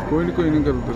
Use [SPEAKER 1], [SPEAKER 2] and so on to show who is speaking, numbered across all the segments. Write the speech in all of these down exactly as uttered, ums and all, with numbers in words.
[SPEAKER 1] ਕੋਈ ਨਹੀਂ ਕੋਈ ਨਹੀਂ ਕਰਦੇ।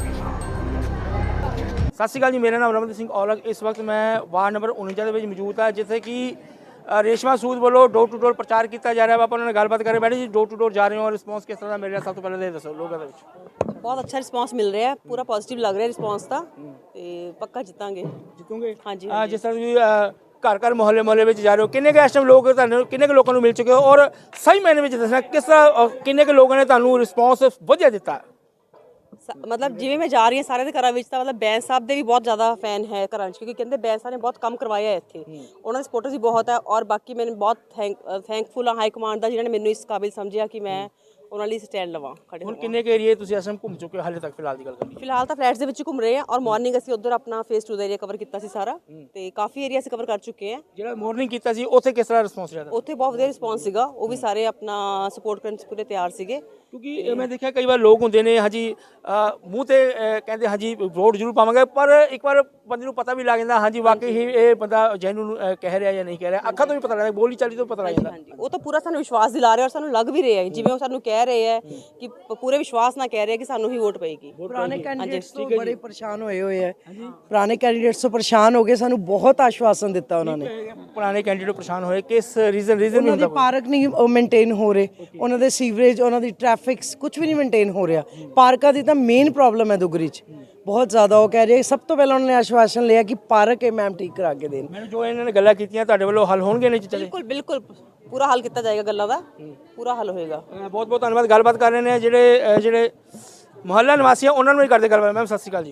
[SPEAKER 2] ਸਤਿ ਸ਼੍ਰੀ ਅਕਾਲ ਜੀ, ਮੇਰਾ ਨਾਮ ਰਮਨਦੀਪ ਸਿੰਘ ਔਲਖ। ਇਸ ਵਕਤ ਮੈਂ ਵਾਰਡ ਨੰਬਰ ਉਨੰਜਾ ਦੇ ਵਿੱਚ ਮੌਜੂਦ ਹਾਂ, ਜਿੱਥੇ ਕਿ ਰੇਸ਼ਮਾ ਸੂਦ ਵੱਲੋਂ ਡੋਰ ਟੂ ਡੋਰ ਪ੍ਰਚਾਰ ਕੀਤਾ ਜਾ ਰਿਹਾ ਵਾ। ਆਪਾਂ ਉਹਨਾਂ ਨਾਲ ਗੱਲਬਾਤ ਕਰੇ ਬੈਠੇ ਜੀ। ਡੋਰ ਟੂ ਡੋਰ ਜਾ ਰਹੇ ਹੋ, ਰਿਸਪੌਂਸ ਕਿਸ ਤਰ੍ਹਾਂ ਦਾ ਮਿਲ ਰਿਹਾ? ਸਭ ਤੋਂ ਪਹਿਲਾਂ ਇਹ ਦੱਸੋ ਲੋਕਾਂ ਦੇ ਵਿੱਚ।
[SPEAKER 3] ਬਹੁਤ ਅੱਛਾ ਰਿਸਪੌਂਸ ਮਿਲ ਰਿਹਾ ਹੈ, ਪੂਰਾ ਪੋਜ਼ਿਟਿਵ ਲੱਗ ਰਿਹਾ ਰਿਸਪੌਂਸ ਤਾਂ, ਤੇ ਪੱਕਾ ਜਿੱਤਾਂਗੇ।
[SPEAKER 2] ਜਿੱਤੋਗੇ?
[SPEAKER 3] ਹਾਂਜੀ
[SPEAKER 2] ਜਿਸ ਤਰ੍ਹਾਂ ਤੁਸੀਂ ਘਰ ਘਰ ਮੁਹੱਲੇ ਮੁਹੱਲੇ ਵਿੱਚ ਜਾ ਰਹੇ ਹੋ, ਕਿੰਨੇ ਕੁ ਇਸ ਟਾਈਮ ਲੋਕ ਤੁਹਾਨੂੰ ਕਿੰਨੇ ਕੁ ਲੋਕਾਂ ਨੂੰ ਮਿਲ ਚੁੱਕੇ ਹੋ, ਔਰ ਸਹੀ ਮਾਇਨੇ ਵਿੱਚ ਦੱਸਣਾ ਕਿਸ ਤਰ੍ਹਾਂ ਕਿੰਨੇ ਕੁ ਲੋਕਾਂ ਨੇ ਤੁਹਾਨੂੰ ਰਿਸਪੌਂਸ ਵਧੀਆ ਦਿੱਤਾ?
[SPEAKER 3] ਮਤਲਬ ਜਿਵੇਂ ਮੈਂ ਜਾ ਰਹੀ ਹਾਂ ਸਾਰਿਆਂ ਦੇ ਘਰਾਂ ਵਿੱਚ, ਤਾਂ ਮਤਲਬ ਬੈਂਸ ਸਾਹਿਬ ਦੇ ਵੀ ਬਹੁਤ ਜ਼ਿਆਦਾ ਫੈਨ ਹੈ ਘਰਾਂ 'ਚ, ਕਿਉਂਕਿ ਕਹਿੰਦੇ ਬੈਂਸ ਸਾਹਿਬ ਨੇ ਬਹੁਤ ਕੰਮ ਕਰਵਾਇਆ ਹੈ ਇੱਥੇ, ਉਹਨਾਂ ਦੇ ਸਪੋਰਟਰਸ ਵੀ ਬਹੁਤ ਹੈ। ਔਰ ਬਾਕੀ ਮੈਨੂੰ ਬਹੁਤ ਥੈਂਕ ਥੈਂਕਫੁਲ ਹਾਂ ਹਾਈ ਕਮਾਂਡ ਦਾ, ਜਿਨ੍ਹਾਂ ਨੇ ਮੈਨੂੰ ਇਸ ਕਾਬਿਲ ਸਮਝਿਆ ਕਿ ਮੈਂ ਉਹਨਾਂ ਲਈ ਸਟੈਂਡ ਲਵਾਂ ਖੜੇ।
[SPEAKER 2] ਹੁਣ ਕਿੰਨੇ ਕੁ ਏਰੀਏ ਤੁਸੀਂ ਅਸਮ ਘੁੰਮ ਚੁੱਕੇ ਹੋ ਹਾਲੇ ਤੱਕ ਫਿਲਹਾਲ ਦੀ ਗੱਲ ਕਰੀਏ?
[SPEAKER 3] ਫਿਲਹਾਲ ਤਾਂ ਫਲੈਟਸ ਦੇ ਵਿੱਚ ਘੁੰਮ ਰਹੇ ਹਾਂ, ਔਰ ਮਾਰਨਿੰਗ ਅਸੀਂ ਉਧਰ ਆਪਣਾ ਫੇਸ ਟੂ ਦਾ ਏਰੀਆ ਕਵਰ ਕੀਤਾ ਸੀ ਸਾਰਾ, ਤੇ ਕਾਫੀ ਏਰੀਆ ਅਸੀਂ ਕਵਰ ਕਰ ਚੁੱਕੇ ਹਾਂ।
[SPEAKER 2] ਜਿਹੜਾ ਮਾਰਨਿੰਗ ਕੀਤਾ ਸੀ ਉੱਥੇ ਕਿਸ ਤਰ੍ਹਾਂ ਰਿਸਪੌਂਸ ਰਿਹਾ?
[SPEAKER 3] ਉੱਥੇ ਬਹੁਤ ਵਧੀਆ ਰਿਸਪੌਂਸ ਸੀਗਾ, ਉਹ ਵੀ ਸਾਰੇ ਆਪਣਾ ਸਪੋਰਟ ਕਰਨ 'ਚ ਪੂਰੇ ਤਿਆਰ ਸੀਗੇ।
[SPEAKER 2] ਕਿਉਂਕਿ ਮੈਂ ਦੇਖਿਆ ਕਈ ਵਾਰ ਲੋਕ ਹੁੰਦੇ ਨੇ ਹਾਂਜੀ ਮੂੰਹ ਤੇ ਕਹਿੰਦੇ ਹਾਂਜੀ ਵੋਟ ਜ਼ਰੂਰ ਪਾਵਾਂਗੇ, ਪਰ ਇੱਕ ਵਾਰ ਬੰਦੇ ਨੂੰ ਪਤਾ ਵੀ ਲੱਗ ਜਾਂਦਾ ਹਾਂਜੀ ਵਾਕਈ ਹੀ ਇਹ ਬੰਦਾ ਜੈਨੂਨ ਕਹਿ ਰਿਹਾ ਜਾਂ ਨਹੀਂ ਕਹਿ ਰਿਹਾ। ਅੱਖਾਂ ਤੋਂ ਵੀ ਪਤਾ ਲੱਗਦਾ, ਬੋਲੀ ਚਾਲੀ ਤੋਂ ਪਤਾ ਲੱਗ ਜਾਂਦਾ।
[SPEAKER 3] ਹਾਂਜੀ, ਉਹ ਤਾਂ ਪੂਰਾ ਸਾਨੂੰ ਵਿਸ਼ਵਾਸ ਦਿਲਾ ਰਿਹਾ, ਔਰ ਸਾਨੂੰ ਲੱਗ ਵੀ ਰਿਹਾ ਹੈ ਜਿਵੇਂ ਉਹ ਸਾਨੂੰ ਕਹਿ ਰਹੇ ਹੈ ਕਿ ਪੂਰੇ ਵਿਸ਼ਵਾਸ ਨਾਲ ਕਹਿ ਰਹੇ ਕਿ ਸਾਨੂੰ ਹੀ ਵੋਟ ਪਏਗੀ।
[SPEAKER 4] ਪੁਰਾਣੇ ਕੈਂਡੀਡੇਟਸ ਤੋਂ ਬੜੇ ਪਰੇਸ਼ਾਨ ਹੋਏ ਹੋਏ ਹੈ, ਪੁਰਾਣੇ ਕੈਂਡੀਡੇਟਸ ਤੋਂ ਪਰੇਸ਼ਾਨ ਹੋ ਗਏ, ਸਾਨੂੰ ਬਹੁਤ ਆਸ਼ਵਾਸਨ ਦਿੱਤਾ ਉਹਨਾਂ ਨੇ।
[SPEAKER 2] ਪੁਰਾਣੇ ਕੈਂਡੀਡੇਟ ਪਰੇਸ਼ਾਨ ਹੋਏ ਕਿਸ ਰੀਜ਼ਨ ਰੀਜ਼ਨ
[SPEAKER 4] ਉਹਨਾਂ ਦੇ ਪਾਰਕ ਨਹੀਂ ਮੇਨਟੇਨ ਹੋ ਰਹੇ, ਉਹਨਾਂ ਦੇ ਸੀਵਰੇਜ, ਉਹਨਾਂ ਦੀ ਟ੍ਰੈਫਿਕ ਕੁਝ ਵੀ ਨਹੀਂ ਮੇਨਟੇਨ ਹੋ ਰਿਹਾ। ਪਾਰਕਾਂ ਦੀ ਤਾਂ ਮੇਨ ਪ੍ਰੋਬਲਮ ਹੈ ਦੁਗਰੀ 'ਚ ਬਹੁਤ ਜ਼ਿਆਦਾ। ਉਹ ਕਹਿ ਰਹੇ ਸਭ ਤੋਂ ਪਹਿਲਾਂ ਉਹਨਾਂ ਨੇ ਆਸ਼ਵਾਸਨ ਲਿਆ ਕਿ ਪਾਰਕ ਇਹ ਮੈਮ ਠੀਕ ਕਰਾ ਕੇ ਦੇਣ।
[SPEAKER 2] ਮੈਨੂੰ ਜੋ ਇਹਨਾਂ ਨੇ ਗੱਲਾਂ ਕੀਤੀਆਂ ਤੁਹਾਡੇ ਵੱਲੋਂ ਹੱਲ ਹੋਣਗੇ ਨਹੀਂ ਚੀਜ਼ਾਂ?
[SPEAKER 3] ਬਿਲਕੁਲ ਬਿਲਕੁਲ ਪੂਰਾ ਹੱਲ ਕੀਤਾ ਜਾਏਗਾ, ਗੱਲਾਂ ਦਾ ਪੂਰਾ ਹੱਲ ਹੋਏਗਾ।
[SPEAKER 2] ਬਹੁਤ ਬਹੁਤ ਧੰਨਵਾਦ। ਗੱਲਬਾਤ ਕਰ ਰਹੇ ਨੇ ਜਿਹੜੇ ਜਿਹੜੇ ਮੁਹੱਲਾ ਨਿਵਾਸੀ ਆ, ਉਹਨਾਂ ਨੂੰ ਵੀ ਕਰਦੇ ਗੱਲਬਾਤ। ਮੈਮ ਸਤਿ ਸ਼੍ਰੀ ਅਕਾਲ ਜੀ।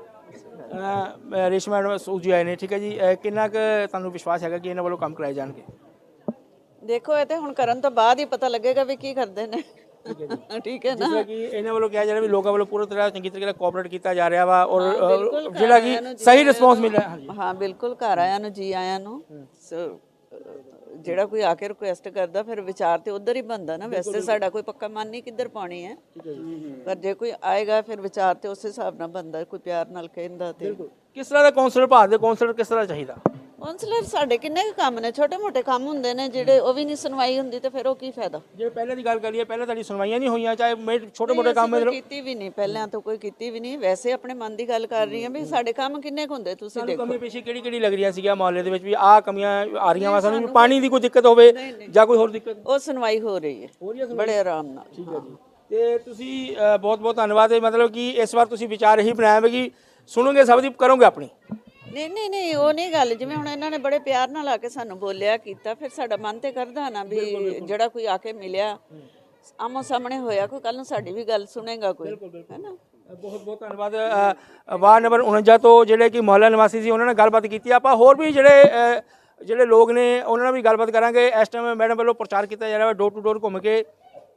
[SPEAKER 2] ਰੇਸ਼ਮਾ ਮੈਡਮ ਸੂਦ ਜੀ ਆਏ ਨੇ, ਠੀਕ ਹੈ ਜੀ। ਕਿੰਨਾ ਕੁ ਤੁਹਾਨੂੰ ਵਿਸ਼ਵਾਸ ਹੈਗਾ ਕਿ ਇਹਨਾਂ ਵੱਲੋਂ ਕੰਮ ਕਰਾਏ ਜਾਣਗੇ?
[SPEAKER 5] ਦੇਖੋ ਇਹ ਤੇ ਹੁਣ ਕਰਨ ਤੋਂ ਬਾਅਦ ਹੀ ਪਤਾ ਲੱਗੇਗਾ ਵੀ ਕੀ ਕਰਦੇ ਨੇ। ਠੀਕ ਹੈ ਨਾ,
[SPEAKER 2] ਜਿਵੇਂ ਕਿ ਇਹਨਾਂ ਵੱਲੋਂ ਕਿਹਾ ਜਾ ਰਿਹਾ ਵੀ ਲੋਕਾਂ ਵੱਲੋਂ ਪੂਰੀ ਤਰ੍ਹਾਂ ਚੰਗੀ ਤਰੀਕੇ ਨਾਲ ਕੋਆਪਰੇਟ ਕੀਤਾ ਜਾ ਰਿਹਾ ਵਾ, ਔਰ ਜਿਹੜਾ ਕਿ ਸਹੀ ਰਿਸਪੌਂਸ ਮਿਲ ਰਿਹਾ। ਹਾਂਜੀ
[SPEAKER 5] ਹਾਂ ਬਿਲਕੁਲ, ਘਰ ਆਇਆਂ ਨੂੰ ਜੀ ਆਇਆਂ ਨੂੰ। ਜਿਹੜਾ ਕੋਈ ਆ ਕੇ ਰਿਕੁਐਸਟ ਕਰਦਾ ਫਿਰ ਵਿਚਾਰ ਤੇ ਉਧਰ ਹੀ ਬਣਦਾ ਨਾ। ਵੈਸੇ ਸਾਡਾ ਕੋਈ ਪੱਕਾ ਮਨ ਨਹੀਂ ਕਿੱਧਰ ਪਾਉਣੀ ਹੈ, ਪਰ ਜੇ ਕੋਈ ਆਏਗਾ ਫਿਰ ਵਿਚਾਰ ਤੇ ਉਸੇ ਹਿਸਾਬ ਨਾਲ ਬਣਦਾ, ਕੋਈ ਪਿਆਰ ਨਾਲ ਕਹਿੰਦਾ ਤੇ।
[SPEAKER 2] ਕਿਸ ਤਰ੍ਹਾਂ ਦਾ ਕਾਉਂਸਲਰ ਭਾਰਤ ਦੇ ਕਾਉਂਸਲਰ ਕਿਸ ਤਰ੍ਹਾਂ ਚਾਹੀਦਾ?
[SPEAKER 5] ਕਾਉਂਸਲਰ ਸਾਡੇ ਕਿੰਨੇ ਕੁ ਕੰਮ ਨੇ, ਛੋਟੇ ਮੋਟੇ ਕੰਮ ਹੁੰਦੇ ਨੇ ਜਿਹੜੇ, ਉਹ ਵੀ ਨਹੀਂ ਸੁਣਵਾਈ ਹੁੰਦੀ ਤੇ ਫਿਰ ਉਹ ਕੀ ਫਾਇਦਾ।
[SPEAKER 2] ਜੇ ਪਹਿਲੇ ਦੀ ਗੱਲ ਕਰੀਏ, ਪਹਿਲਾਂ ਤੁਹਾਡੀ ਸੁਣਵਾਈਆਂ ਨਹੀਂ ਹੋਈਆਂ, ਚਾਹੇ ਛੋਟੇ ਮੋਟੇ ਕੰਮ
[SPEAKER 5] ਕੀਤੀ ਵੀ ਨਹੀਂ, ਪਹਿਲਾਂ ਤਾਂ ਕੋਈ ਕੀਤੀ ਵੀ ਨਹੀਂ। ਵੈਸੇ ਆਪਣੇ ਮਨ ਦੀ ਗੱਲ ਕਰ ਰਹੀ ਹਾਂ ਵੀ ਸਾਡੇ ਕੰਮ ਕਿੰਨੇ ਕੁ ਹੁੰਦੇ ਤੁਸੀਂ ਦੇਖੋ।
[SPEAKER 2] ਕਮੀ ਪੇਸ਼ੀ ਕਿਹੜੀ ਕਿਹੜੀ ਲੱਗ ਰਹੀਆਂ ਸੀਗੀਆਂ ਮੁਹੱਲੇ ਦੇ ਵਿੱਚ ਵੀ ਆਹ ਕਮੀਆਂ ਆ ਰਹੀਆਂ ਵਾ ਸਾਨੂੰ? ਪਾਣੀ ਦੀ ਕੋਈ ਦਿੱਕਤ ਹੋਵੇ ਜਾਂ ਕੋਈ ਹੋਰ ਦਿੱਕਤ?
[SPEAKER 5] ਉਹ ਸੁਣਵਾਈ ਹੋ ਰਹੀ ਹੈ ਬੜੇ ਆਰਾਮ ਨਾਲ।
[SPEAKER 2] ਠੀਕ ਹੈ ਜੀ। ਤੇ ਤੁਸੀਂ ਬਹੁਤ ਬਹੁਤ ਧੰਨਵਾਦ। ਮਤਲਬ ਕਿ ਇਸ ਵਾਰ ਤੁਸੀਂ ਵਿਚਾਰ ਇਹੀ ਬਣਾਇਆ ਵਾ ਕਿ ਸੁਣੋਗੇ ਸਭ ਦੀ, ਕਰੋਗੇ ਆਪਣੀ?
[SPEAKER 5] ਨਹੀਂ ਨਹੀਂ ਨਹੀਂ ਉਹ ਨਹੀਂ ਗੱਲ। ਜਿਵੇਂ ਹੁਣ ਇਹਨਾਂ ਨੇ ਬੜੇ ਪਿਆਰ ਨਾਲ ਆ ਕੇ ਸਾਨੂੰ ਬੋਲਿਆ ਕੀਤਾ, ਫਿਰ ਸਾਡਾ ਮਨ ਤੇ ਕਰਦਾ ਨਾ ਵੀ ਜਿਹੜਾ ਕੋਈ ਆ ਕੇ ਮਿਲਿਆ ਆਮੋ ਸਾਹਮਣੇ ਹੋਇਆ, ਕੋਈ ਕੱਲ ਨੂੰ ਸਾਡੀ ਵੀ ਗੱਲ ਸੁਣੇਗਾ ਕੋਈ, ਹੈ ਨਾ।
[SPEAKER 2] ਬਹੁਤ ਬਹੁਤ ਧੰਨਵਾਦ। ਵਾਰਡ ਨੰਬਰ ਉਨੰਜਾ ਤੋਂ ਜਿਹੜੇ ਕਿ ਮੁਹੱਲਾ ਨਿਵਾਸੀ ਸੀ, ਉਹਨਾਂ ਨਾਲ ਗੱਲਬਾਤ ਕੀਤੀ। ਆਪਾਂ ਹੋਰ ਵੀ ਜਿਹੜੇ ਜਿਹੜੇ ਲੋਕ ਨੇ ਉਹਨਾਂ ਨਾਲ ਵੀ ਗੱਲਬਾਤ ਕਰਾਂਗੇ। ਇਸ ਟਾਈਮ ਮੈਡਮ ਵੱਲੋਂ ਪ੍ਰਚਾਰ ਕੀਤਾ ਜਾ ਰਿਹਾ ਡੋਰ ਟੂ ਡੋਰ ਘੁੰਮ ਕੇ।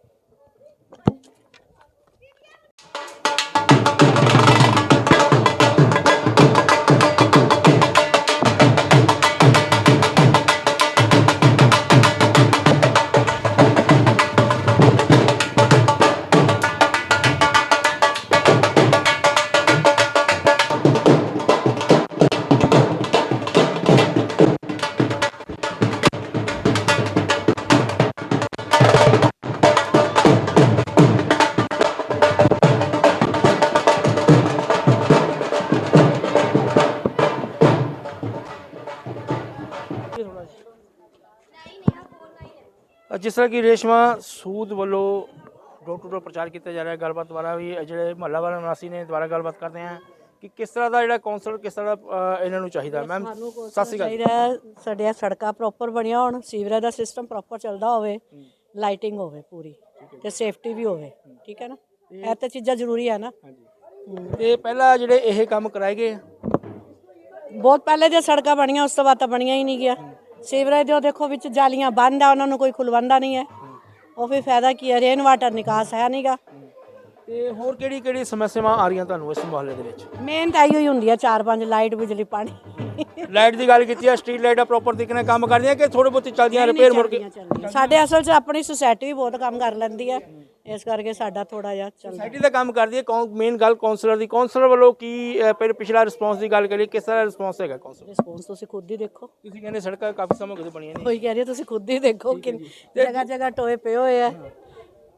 [SPEAKER 2] ਜਿਸ ਤਰ੍ਹਾਂ ਕਿ ਰੇਸ਼ਮਾ ਸੂਦ ਵੱਲੋਂ ਡੋਰ ਟੂ ਡੋਰ ਪ੍ਰਚਾਰ ਕੀਤਾ ਜਾ ਰਿਹਾ। ਗੱਲਬਾਤ ਦੁਆਰਾ ਵੀ ਜਿਹੜੇ ਮੁਹੱਲਾ ਵਾਲੇ ਨਿਵਾਸੀ ਨੇ ਦੁਆਰਾ ਗੱਲਬਾਤ ਕਰਦੇ ਹਾਂ ਕਿ ਕਿਸ ਤਰ੍ਹਾਂ ਦਾ ਜਿਹੜਾ ਕਾਉਂਸਲਰ ਕਿਸ ਤਰ੍ਹਾਂ ਦਾ ਇਹਨਾਂ ਨੂੰ ਚਾਹੀਦਾ। ਮੈਮ ਸਤਿ ਸ਼੍ਰੀ ਅਕਾਲ।
[SPEAKER 6] ਸਾਡੀਆਂ ਸੜਕਾਂ ਪ੍ਰੋਪਰ ਬਣੀਆਂ ਹੋਣ, ਸੀਵਰੇਜ ਦਾ ਸਿਸਟਮ ਪ੍ਰੋਪਰ ਚੱਲਦਾ ਹੋਵੇ, ਲਾਈਟਿੰਗ ਹੋਵੇ ਪੂਰੀ, ਤੇ ਸੇਫਟੀ ਵੀ ਹੋਵੇ। ਠੀਕ ਹੈ ਨਾ, ਇਹ ਤਾਂ ਚੀਜ਼ਾਂ ਜ਼ਰੂਰੀ ਹੈ ਨਾ।
[SPEAKER 2] ਤੇ ਪਹਿਲਾਂ ਜਿਹੜੇ ਇਹ ਕੰਮ ਕਰਾਏ ਗਏ
[SPEAKER 6] ਬਹੁਤ ਪਹਿਲੇ ਦੀਆਂ ਸੜਕਾਂ ਬਣੀਆਂ, ਉਸ ਤੋਂ ਬਾਅਦ ਤਾਂ ਬਣੀਆਂ ਹੀ ਨਹੀਂ ਗਿਆ। ਸੀਵਰੇਜ ਦੇ ਦੇਖੋ ਵਿੱਚ ਜਾਲੀਆਂ ਬੰਦ ਆ, ਉਹਨਾਂ ਨੂੰ ਕੋਈ ਖੁਲਵਾਉਂਦਾ ਨਹੀਂ ਹੈ। ਉਹ ਵੀ ਫਾਇਦਾ ਕੀ ਹੈ, ਰੇਨ ਵਾਟਰ ਨਿਕਾਸ ਹੈ ਨਹੀਂਗਾ।
[SPEAKER 2] ਤੇ ਹੋਰ ਕਿਹੜੀ ਕਿਹੜੀ ਸਮੱਸਿਆਵਾਂ ਆ ਰਹੀਆਂ ਤੁਹਾਨੂੰ ਇਸ ਮੁਹੱਲੇ ਦੇ ਵਿੱਚ?
[SPEAKER 6] ਮੇਨ ਤਾਂ ਇਹੋ ਹੀ ਹੁੰਦੀ ਹੈ, ਚਾਰ ਪੰਜ ਲਾਈਟ, ਬਿਜਲੀ, ਪਾਣੀ।
[SPEAKER 2] ਲਾਈਟ ਦੀ ਗੱਲ ਕੀਤੀ ਹੈ, ਸਟਰੀਟ ਲਾਈਟਾਂ ਪ੍ਰੋਪਰ ਤਰੀਕੇ ਨਾਲ ਕੰਮ ਕਰਦੀਆਂ ਕਿ ਥੋੜੇ ਬਹੁਤੀ ਚੱਲਦੀਆਂ ਰਿਪੇਅਰ ਮੁੜ ਕੇ?
[SPEAKER 6] ਸਾਡੇ ਅਸਲ 'ਚ ਆਪਣੀ ਸੁਸਾਇਟੀ ਵੀ ਬਹੁਤ ਕੰਮ ਕਰ ਲੈਂਦੀ ਹੈ, ਇਸ ਕਰਕੇ ਸਾਡਾ ਥੋੜਾ ਜਿਹਾ ਚੱਲਦਾ।
[SPEAKER 2] ਸੁਸਾਇਟੀ ਦਾ ਕੰਮ ਕਰਦੀ ਹੈ। ਮੇਨ ਗੱਲ ਕਾਉਂਸਲਰ ਦੀ, ਕਾਉਂਸਲਰ ਵੱਲੋਂ ਕੀ ਫਿਰ ਪਿਛਲਾ ਰਿਸਪੌਂਸ ਦੀ ਗੱਲ ਕਰੀਏ, ਕਿਸ ਤਰ੍ਹਾਂ ਰਿਸਪੌਂਸ ਹੈਗਾ ਕਾਉਂਸਲਰ?
[SPEAKER 6] ਰਿਸਪੌਂਸ ਤੁਸੀਂ ਖੁਦ ਹੀ ਦੇਖੋ।
[SPEAKER 2] ਤੁਸੀਂ ਕਹਿੰਦੇ ਸੜਕਾਂ ਕਾਫੀ ਸਮਾਂ ਤੋਂ ਬਣੀਆਂ ਨੇ।
[SPEAKER 6] ਕੋਈ ਕਹਿ ਰਹੀ ਤੁਸੀਂ ਖੁਦ ਹੀ ਦੇਖੋ ਕਿ ਜਗ੍ਹਾ ਜਗ੍ਹਾ ਟੋਏ ਪਏ ਹੋਏ ਆ।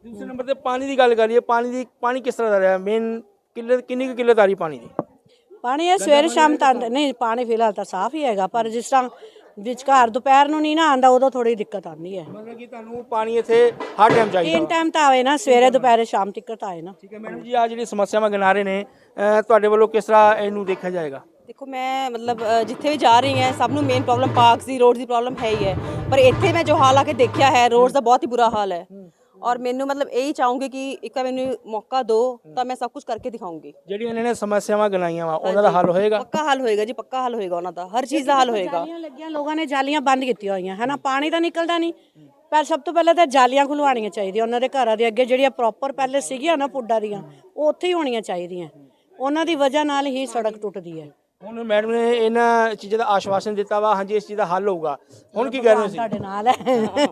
[SPEAKER 2] ਦੂਸਰੇ ਨੰਬਰ ਤੇ ਪਾਣੀ ਦੀ ਗੱਲ ਕਰੀਏ, ਪਾਣੀ ਦੀ ਪਾਣੀ ਕਿਸ ਤਰ੍ਹਾਂ ਦਾ ਰਿਹਾ? ਮੇਨ ਕਿੱਲਤ ਕਿੰਨੀ ਕੁ ਕਿੱਲਤ ਆ ਰਹੀ ਪਾਣੀ ਦੀ?
[SPEAKER 6] ਪਾਣੀ ਇਹ ਸਵੇਰੇ ਸ਼ਾਮ ਤਾਂ ਆਉਂਦਾ- ਨਹੀਂ ਪਾਣੀ ਫਿਲਹਾਲ ਤਾਂ ਸਾਫ਼ ਹੀ ਹੈਗਾ, ਪਰ ਜਿਸ ਤਰ੍ਹਾਂ ਵਿਚਕਾਰ ਦੁਪਹਿਰ ਨੂੰ ਨਹੀਂ ਨਾ ਆਉਂਦਾ ਉਦੋਂ ਥੋੜੀ ਦਿੱਕਤ ਆਉਂਦੀ ਹੈ।
[SPEAKER 2] ਮਤਲਬ ਕਿ ਤੁਹਾਨੂੰ ਪਾਣੀ ਇੱਥੇ ਹਰ ਟਾਈਮ ਚਾਹੀਦਾ?
[SPEAKER 6] ਤਿੰਨ ਟਾਈਮ ਤਾਂ ਆਵੇ ਨਾ, ਸਵੇਰੇ ਦੁਪਹਿਰੇ ਸ਼ਾਮ ਤੱਕ ਤਾਂ ਆਏ ਨਾ।
[SPEAKER 2] ਠੀਕ ਹੈ ਮੈਡਮ ਜੀ, ਆ ਜਿਹੜੀ ਸਮੱਸਿਆਵਾਂ ਗਿਣਾ ਰਹੇ ਨੇ ਅਹ ਤੁਹਾਡੇ ਵੱਲੋਂ ਕਿਸ ਤਰ੍ਹਾਂ ਇਹਨੂੰ ਦੇਖਿਆ ਜਾਏਗਾ?
[SPEAKER 3] ਦੇਖੋ ਮੈਂ ਮਤਲਬ ਅ, ਜਿੱਥੇ ਵੀ ਜਾ ਰਹੀ ਹਾਂ ਸਭ ਨੂੰ ਮੇਨ ਪ੍ਰੋਬਲਮ ਪਾਰਕਸ ਦੀ ਰੋਡ ਦੀ ਪ੍ਰੋਬਲਮ ਹੈ ਹੀ ਹੈ, ਪਰ ਇੱਥੇ ਮੈਂ ਜੋ ਹਾਲ ਆ ਕੇ ਦੇਖਿਆ ਹੈ ਰੋਡਸ ਦਾ ਬਹੁਤ ਹੀ ਬੁਰਾ ਹਾਲ ਹੈ। ਔਰ ਮੈਨੂੰ ਮਤਲਬ ਇਹੀ ਚਾਹੂੰਗੀ ਕਿ ਇੱਕ ਵਾਰ ਮੈਨੂੰ ਮੌਕਾ ਦਿਓ ਤਾਂ ਮੈਂ ਸਭ ਕੁਝ ਕਰਕੇ ਦਿਖਾਉਂਗੀ।
[SPEAKER 2] ਜਿਹੜੀਆਂ ਇਹਨਾਂ ਨੇ ਸਮੱਸਿਆਵਾਂ ਗਿਣਾਈਆਂ ਵਾ ਉਹਨਾਂ ਦਾ ਹੱਲ ਹੋਏਗਾ?
[SPEAKER 3] ਪੱਕਾ ਹੱਲ ਹੋਏਗਾ ਜੀ, ਪੱਕਾ ਹੱਲ ਹੋਏਗਾ ਉਹਨਾਂ ਦਾ, ਹਰ ਚੀਜ਼ ਦਾ ਹੱਲ ਹੋਏਗਾ।
[SPEAKER 6] ਜਾਲੀਆਂ ਲੱਗੀਆਂ, ਲੋਕਾਂ ਨੇ ਜਾਲੀਆਂ ਬੰਦ ਕੀਤੀਆਂ ਹੋਈਆਂ ਹੈ ਨਾ, ਪਾਣੀ ਤਾਂ ਨਿਕਲਦਾ ਨਹੀਂ। ਪਰ ਸਭ ਤੋਂ ਪਹਿਲਾਂ ਤਾਂ ਜਾਲੀਆਂ ਖੁਲਵਾਉਣੀਆਂ ਚਾਹੀਦੀਆਂ ਉਹਨਾਂ ਦੇ ਘਰਾਂ ਦੇ ਅੱਗੇ, ਜਿਹੜੀਆਂ ਪ੍ਰੋਪਰ ਪਹਿਲੇ ਸੀਗੀਆਂ ਨਾ ਪੁੱਡਾ ਦੀਆਂ, ਉਹ ਉੱਥੇ ਹੀ ਹੋਣੀਆਂ ਚਾਹੀਦੀਆਂ। ਉਹਨਾਂ ਦੀ ਵਜ੍ਹਾ ਨਾਲ ਹੀ ਸੜਕ ਟੁੱਟਦੀ ਹੈ।
[SPEAKER 2] ਹੁਣ ਮੈਡਮ ਨੇ ਇਹਨਾਂ ਚੀਜ਼ਾਂ ਦਾ ਆਸ਼ਵਾਸਨ ਦਿੱਤਾ ਵਾ, ਹਾਂਜੀ ਇਸ ਚੀਜ਼ ਦਾ ਹੱਲ ਹੋਊਗਾ। ਹੁਣ ਕੀ ਕਹਿ ਰਹੇ ਹੋ ਤੁਸੀਂ?
[SPEAKER 6] ਤੁਹਾਡੇ ਨਾਲ ਹੈ।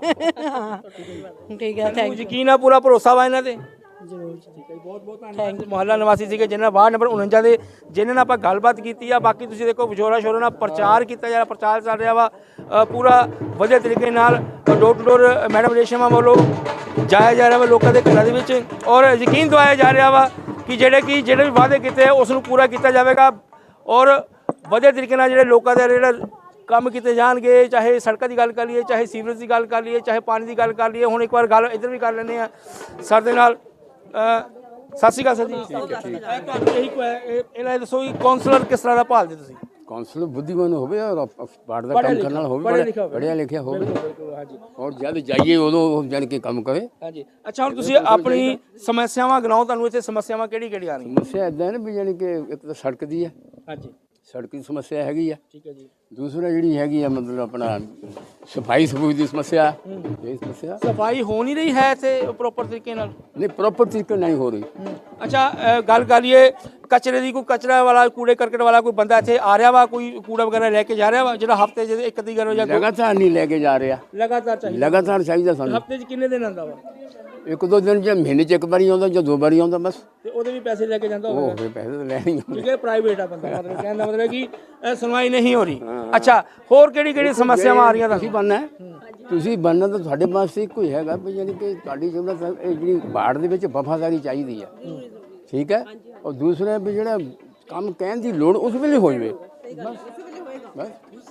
[SPEAKER 6] ਠੀਕ ਹੈ, ਥੈਂਕ ਯੂ।
[SPEAKER 2] ਯਕੀਨ ਆ, ਪੂਰਾ ਭਰੋਸਾ ਵਾ ਇਹਨਾਂ ਤੇ?
[SPEAKER 6] ਜ਼ਰੂਰ
[SPEAKER 2] ਬਹੁਤ ਬਹੁਤ ਧੰਨਵਾਦ। ਮੁਹੱਲਾ ਨਿਵਾਸੀ ਸੀਗੇ ਜਿਨ੍ਹਾਂ ਵਾਰਡ ਨੰਬਰ ਉਣੰਜਾ ਦੇ ਜਿਨ੍ਹਾਂ ਨਾਲ ਆਪਾਂ ਗੱਲਬਾਤ ਕੀਤੀ ਆ। ਬਾਕੀ ਤੁਸੀਂ ਦੇਖੋ ਵਿਚੋਰਾ ਸ਼ੋਰਾ ਨਾਲ ਪ੍ਰਚਾਰ ਕੀਤਾ ਜਾ ਰਿਹਾ, ਪ੍ਰਚਾਰ ਚੱਲ ਰਿਹਾ ਵਾ ਅ, ਪੂਰਾ ਵਧੀਆ ਤਰੀਕੇ ਨਾਲ ਡੋਰ ਟੂ ਡੋਰ ਮੈਡਮ ਰੇਸ਼ਮਾ ਵੱਲੋਂ ਜਾਇਆ ਜਾ ਰਿਹਾ ਵਾ ਲੋਕਾਂ ਦੇ ਘਰਾਂ ਦੇ ਵਿੱਚ, ਔਰ ਯਕੀਨ ਦਵਾਇਆ ਜਾ ਰਿਹਾ ਵਾ ਕਿ ਜਿਹੜੇ ਕਿ ਜਿਹੜੇ ਵੀ ਵਾਅਦੇ ਕੀਤੇ ਉਸ ਨੂੰ ਪੂਰਾ ਕੀਤਾ ਜਾਵੇਗਾ, ਔਰ ਵਧੀਆ ਤਰੀਕੇ ਨਾਲ ਜਿਹੜੇ ਲੋਕਾਂ ਦੇ ਜਿਹੜਾ ਕੰਮ ਕੀਤੇ ਜਾਣਗੇ। ਚਾਹੇ ਸੜਕਾਂ ਦੀ ਗੱਲ ਕਰ ਲਈਏ, ਚਾਹੇ ਸੀਵਰੇਜ ਦੀ ਗੱਲ ਕਰ ਲਈਏ, ਚਾਹੇ ਪਾਣੀ ਦੀ ਗੱਲ ਕਰ ਲਈਏ। ਹੁਣ ਇੱਕ ਵਾਰ ਗੱਲ ਇੱਧਰ ਵੀ ਕਰ ਲੈਂਦੇ ਆ ਸਰ ਦੇ ਨਾਲ। ਅ, ਸਤਿ ਸ਼੍ਰੀ ਅਕਾਲ ਸਰ ਜੀ। ਇਹ ਤੁਹਾਨੂੰ ਇਹੀ ਕੋ ਹੈ, ਇਹਨਾਂ ਇਹ ਦੱਸੋ ਕਿ ਕਾਉਂਸਲਰ ਕਿਸ ਤਰ੍ਹਾਂ ਦਾ ਭਾਲਦੇ ਤੁਸੀਂ?
[SPEAKER 1] ਕਾਉਂਸਲਰ ਬੁੱਧੀਮਾਨ ਹੋਵੇ ਔਰ ਵਾਰਡ ਦਾ
[SPEAKER 2] ਪੜ੍ਹਿਆ
[SPEAKER 1] ਕੰਮ
[SPEAKER 2] ਲਿਖਿਆ,
[SPEAKER 1] ਕਰਨ ਵਾਲਾ ਹੋਵੇ,
[SPEAKER 2] ਪੜ੍ਹਿਆ ਲਿਖਿਆ ਹੋਵੇ।
[SPEAKER 1] ਪੜ੍ਹਿਆ ਲਿਖਿਆ ਹੋਵੇ,
[SPEAKER 2] ਹਾਂਜੀ
[SPEAKER 1] ਔਰ ਜਦ ਜਾਈਏ ਉਦੋਂ ਉਹ ਜਾਣ ਕੇ ਕੰਮ ਕਰੇ।
[SPEAKER 2] ਹਾਂਜੀ। ਅੱਛਾ, ਹੁਣ ਤੁਸੀਂ ਆਪਣੀ ਸਮੱਸਿਆਵਾਂ ਗਿਣਾਓ, ਤੁਹਾਨੂੰ ਇੱਥੇ ਸਮੱਸਿਆਵਾਂ ਕਿਹੜੀ ਕਿਹੜੀ ਆ ਰਹੀਆਂ?
[SPEAKER 1] ਸਮੱਸਿਆ ਇਦਾਂ ਹੈ ਨਾ ਵੀ ਜਾਣੀ ਕਿ ਇੱਕ ਤਾਂ ਸੜਕ ਦੀ ਹੈ,
[SPEAKER 2] ਹਾਂਜੀ
[SPEAKER 1] ਸੜਕ ਦੀ ਸਮੱਸਿਆ ਹੈਗੀ ਆ।
[SPEAKER 2] ਠੀਕ ਹੈ ਜੀ।
[SPEAKER 1] ਦੂਸਰਾ ਜਿਹੜੀ ਹੈਗੀ ਆ ਮਤਲਬ ਆਪਣਾ ਸਫਾਈ ਸਫੂਈ ਦੀ ਸਮੱਸਿਆ, ਇਹ ਸਮੱਸਿਆ
[SPEAKER 2] ਸਫਾਈ ਹੋ ਨਹੀਂ ਰਹੀ ਹੈ ਇੱਥੇ ਪ੍ਰੋਪਰ ਤਰੀਕੇ ਨਾਲ?
[SPEAKER 1] ਨਹੀਂ ਪ੍ਰੋਪਰ ਤਰੀਕੇ ਨਾਲ ਨਹੀਂ ਹੋ ਰਹੀ।
[SPEAKER 2] ਅੱਛਾ, ਅ, ਗੱਲ ਕਰੀਏ ਕਚਰੇ ਦੀ, ਕੋਈ ਕਚਰਾ ਵਾਲਾ ਕੂੜੇ ਕਰਕਟ ਵਾਲਾ ਕੋਈ ਬੰਦਾ ਇੱਥੇ ਆ ਰਿਹਾ ਵਾ, ਕੋਈ ਕੂੜਾ ਵਗੈਰਾ ਲੈ ਕੇ ਜਾ ਰਿਹਾ ਵਾ ਜਿਹੜਾ ਹਫਤੇ 'ਚ ਇੱਕ ਅੱਧੀ ਵਾਰ ਜਾਂ ਦੋ-
[SPEAKER 1] ਲਗਾਤਾਰ ਨਹੀਂ ਲੈ ਕੇ ਜਾ ਰਿਹਾ,
[SPEAKER 2] ਲਗਾਤਾਰ ਚਾਹੀਦਾ?
[SPEAKER 1] ਲਗਾਤਾਰ ਚਾਹੀਦਾ ਸਾਨੂੰ।
[SPEAKER 2] ਹਫਤੇ 'ਚ ਕਿੰਨੇ ਦਿਨ ਆਉਂਦਾ ਵਾ?
[SPEAKER 1] ਇੱਕ ਦੋ ਦਿਨ ਜਾਂ ਮਹੀਨੇ 'ਚ ਇੱਕ ਵਾਰੀ ਆਉਂਦਾ ਜਾਂ ਦੋ ਵਾਰੀ ਆਉਂਦਾ ਬਸ।
[SPEAKER 2] ਤੇ ਉਹਦੇ ਵੀ ਪੈਸੇ ਲੈ ਕੇ ਜਾਂਦਾ
[SPEAKER 1] ਉਹ
[SPEAKER 2] ਹੋਵੇਗਾ?
[SPEAKER 1] ਫਿਰ ਪੈਸੇ ਤਾਂ ਲੈਣੇ ਹੀ ਹੁੰਦੇ।
[SPEAKER 2] ਕਿਉਂਕਿ ਪ੍ਰਾਈਵੇਟ ਆ ਬੰਦਾ, ਮਤਲਬ ਕਹਿਣ ਦਾ ਮਤਲਬ ਕਿ ਇਹ ਸੁਣਵਾਈ ਨਹੀਂ ਹੋ ਰਹੀ। ਅੱਛਾ, ਹੋਰ ਕਿਹੜੀ ਕਿਹੜੀ ਸਮੱਸਿਆਵਾਂ ਆ ਰਹੀਆਂ
[SPEAKER 1] ਤੁਸੀਂ
[SPEAKER 2] ਤੁਹਾਨੂੰ?
[SPEAKER 1] ਬਣਨਾ ਹੈ, ਤੁਸੀਂ ਬਣਨਾ ਤਾਂ ਤੁਹਾਡੇ ਪਾਸ ਇੱਕੋ ਹੀ ਹੈਗਾ ਵੀ ਯਾਨੀ ਕਿ ਤੁਹਾਡੀ ਜਿਹੜਾ ਇਹ ਜਿਹੜੀ ਬਾੜ ਦੇ ਵਿੱਚ ਵਫਾਦਾਰੀ ਚਾਹੀਦੀ ਹੈ, ਠੀਕ ਹੈ। ਔਰ ਦੂਸਰਾ ਵੀ ਜਿਹੜਾ ਕੰਮ ਕਹਿਣ ਦੀ ਲੋੜ ਉਸ ਵੇਲੇ ਹੋ ਜਾਵੇ ਬਸ।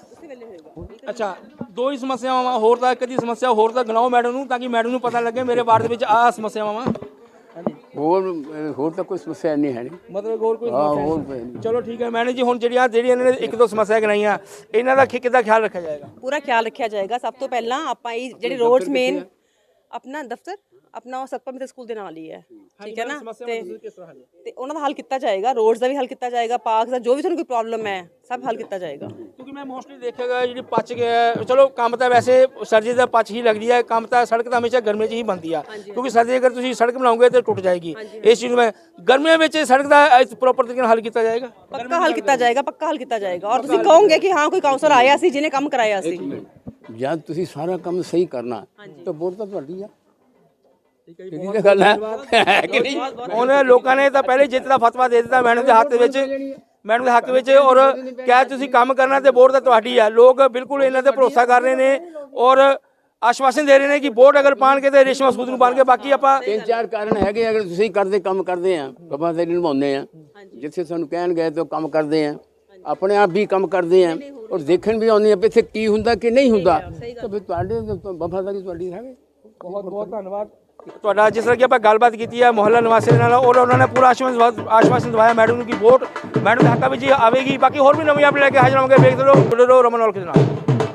[SPEAKER 2] ਅੱਛਾ, ਦੋ ਹੀ ਸਮੱਸਿਆਵਾਂ ਵਾ, ਹੋਰ ਤਾਂ ਕਦੀ ਸਮੱਸਿਆ ਹੋਰ ਤਾਂ ਗਿਣਾਓ ਮੈਡਮ ਨੂੰ, ਤਾਂ ਕਿ ਮੈਡਮ ਨੂੰ ਪਤਾ ਲੱਗੇ ਮੇਰੇ ਵਾਰਡ ਦੇ ਵਿੱਚ ਆਹ ਸਮੱਸਿਆਵਾਂ ਵਾ। ਹਾਂਜੀ,
[SPEAKER 1] ਹੋਰ ਹੋਰ ਤਾਂ ਕੋਈ ਸਮੱਸਿਆ ਨਹੀਂ ਹੈ ਨਹੀਂ।
[SPEAKER 2] ਮਤਲਬ ਹੋਰ ਕੋਈ
[SPEAKER 1] ਹਾਂ
[SPEAKER 2] ਸਮੱਸਿਆ
[SPEAKER 1] ਹੋਰ
[SPEAKER 2] ਨਹੀਂ?
[SPEAKER 1] ਕੋਈ ਨਹੀਂ।
[SPEAKER 2] ਚਲੋ ਠੀਕ ਹੈ ਮੈਡਮ ਜੀ, ਹੁਣ ਜਿਹੜੀਆਂ ਜਿਹੜੀਆਂ ਇਹਨਾਂ ਨੇ ਇੱਕ ਦੋ ਸਮੱਸਿਆ ਗਿਣਾਈਆਂ, ਇਹਨਾਂ ਦਾ ਕਿ- ਕਿੱਦਾਂ ਖਿਆਲ ਰੱਖਿਆ ਜਾਏਗਾ?
[SPEAKER 3] ਪੂਰਾ ਖਿਆਲ ਰੱਖਿਆ ਜਾਏਗਾ। ਸਭ ਤੋਂ ਪਹਿਲਾਂ ਆਪਾਂ ਇਹ ਜਿਹੜੇ ਰੋਡਸ ਮੇਨ ਆਪਣਾ ਦਫ਼ਤਰ ਆਪਣਾ ਉਹ ਸਤਪਾ ਮਿੱਤਰ ਸਕੂਲ ਦੇ ਨਾਲ ਹੀ ਹੈ, ਠੀਕ ਹੈ ਨਾ, ਤੇ
[SPEAKER 2] ਕਿਸ ਤਰ੍ਹਾਂ ਹੱਲ?
[SPEAKER 3] ਤੇ ਉਹਨਾਂ ਦਾ ਹੱਲ ਕੀਤਾ ਜਾਏਗਾ, ਰੋਡਸ ਦਾ ਵੀ ਹੱਲ ਕੀਤਾ ਜਾਏਗਾ, ਪਾਰਕਸ ਦਾ ਜੋ ਵੀ ਤੁਹਾਨੂੰ ਕੋਈ ਪ੍ਰੋਬਲਮ ਹੈ ਸਭ ਹੱਲ ਕੀਤਾ ਜਾਏਗਾ।
[SPEAKER 2] ਕਿਉਂਕਿ ਮੈਂ ਮੋਸਟਲੀ ਦੇਖਿਆਗਾ ਜਿਹੜੀ ਪਚ ਗਿਆ, ਚਲੋ ਕੰਮ ਤਾਂ ਵੈਸੇ ਸਰਦੀ ਦਾ ਪਚ ਹੀ ਲੱਗਦੀ ਹੈ, ਕੰਮ ਤਾਂ ਸੜਕ ਤਾਂ ਹਮੇਸ਼ਾ ਗਰਮੀ 'ਚ ਹੀ ਬਣਦੀ ਆ, ਕਿਉਂਕਿ ਸਰਦੀ ਅਗਰ ਤੁਸੀਂ ਸੜਕ ਬਣਾਓਗੇ ਤਾਂ ਟੁੱਟ ਜਾਏਗੀ। ਇਸ ਚੀਜ਼ ਨੂੰ ਮੈਂ ਗਰਮੀਆਂ ਵਿੱਚ ਸੜਕ ਦਾ ਪ੍ਰੋਪਰ ਤਰੀਕੇ ਨਾਲ ਹੱਲ ਕੀਤਾ ਜਾਏਗਾ?
[SPEAKER 3] ਪੱਕਾ ਹੱਲ ਕੀਤਾ ਜਾਏਗਾ, ਪੱਕਾ ਹੱਲ ਕੀਤਾ ਜਾਏਗਾ। ਔਰ ਤੁਸੀਂ ਕਹੋਗੇ ਕਿ ਹਾਂ ਕੋਈ ਕਾਉਂਸਲਰ ਆਇਆ ਸੀ ਜਿਹਨੇ ਕੰਮ ਕਰਾਇਆ ਸੀ।
[SPEAKER 1] ਜਦ ਤੁਸੀਂ ਸਾਰਾ ਕੰਮ ਸਹੀ ਕਰਨਾ ਤਾਂ ਵੋਟ ਤਾਂ ਤੁਹਾਡੀ ਆ। ਠੀਕ ਹੈ ਗੱਲ ਹੈ ਕਿ ਨਹੀਂ?
[SPEAKER 2] ਉਹਨਾਂ ਲੋਕਾਂ ਨੇ ਤਾਂ ਪਹਿਲੇ ਜਿੱਤ ਦਾ ਫਤਵਾ ਦੇ ਦਿੱਤਾ ਮੈਡਮ ਦੇ ਹੱਥ ਵਿੱਚ, ਮੈਡਮ ਦੇ ਹੱਕ ਵਿੱਚ, ਔਰ ਕਿਹਾ ਤੁਸੀਂ ਕੰਮ ਕਰਨਾ ਤੇ ਵੋਟ ਤਾਂ ਤੁਹਾਡੀ ਆ। ਲੋਕ ਬਿਲਕੁਲ ਇਹਨਾਂ ਤੇ ਭਰੋਸਾ ਕਰ ਰਹੇ ਨੇ ਔਰ ਆਸ਼ਵਾਸਨ ਦੇ ਰਹੇ ਨੇ ਕਿ ਵੋਟ ਅਗਰ ਪਾਣਗੇ ਤੇ ਰੇਸ਼ਮਾ ਸੂਦ ਨੂੰ ਪਾਣਗੇ। ਬਾਕੀ ਆਪਾਂ
[SPEAKER 1] ਤਿੰਨ ਚਾਰ ਕਾਰਨ ਹੈਗੇ, ਅਗਰ ਤੁਸੀਂ ਕਰਦੇ ਕੰਮ ਕਰਦੇ ਆ, ਵਫਾਦਾਰੀ ਨਿਭਾਉਂਦੇ ਆ, ਜਿੱਥੇ ਸਾਨੂੰ ਕਹਿਣ ਗਏ ਤਾਂ ਕੰਮ ਕਰਦੇ ਆ, ਆਪਣੇ ਆਪ ਵੀ ਕੰਮ ਕਰਦੇ ਆ, ਔਰ ਦੇਖਣ ਵੀ ਆਉਂਦੇ ਆ ਵੀ ਇੱਥੇ ਕੀ ਹੁੰਦਾ ਕਿ ਨਹੀਂ ਹੁੰਦਾ, ਤਾਂ ਫਿਰ ਤੁਹਾਡੇ ਵਫਾਦਾਰੀ ਤੁਹਾਡੀ ਹੈ।
[SPEAKER 2] ਬਹੁਤ ਬਹੁਤ ਧੰਨਵਾਦ ਤੁਹਾਡਾ। ਜਿਸ ਤਰ੍ਹਾਂ ਕਿ ਆਪਾਂ ਗੱਲਬਾਤ ਕੀਤੀ ਹੈ ਮੁਹੱਲਾ ਨਿਵਾਸੀ ਦੇ ਨਾਲ, ਔਰ ਉਹਨਾਂ ਨੇ ਪੂਰਾ ਆਸ਼ਵਾਸਨ ਆਸ਼ਵਾਸਨ ਦਵਾਇਆ ਮੈਡਮ ਨੂੰ ਕਿ ਵੋਟ ਮੈਡਮ ਦੇ ਹੱਕਾਂ ਵਿੱਚ ਆਵੇਗੀ। ਬਾਕੀ ਹੋਰ ਵੀ ਨਵੀਂ ਅਪਡੇਟ ਲੈ ਕੇ ਹਾਜ਼ਰ ਹੋਵਾਂਗੇ। ਵੇਖਦੇ ਰਹੋ ਰਮਨ ਔਲਖ ਦੇ ਨਾਲ।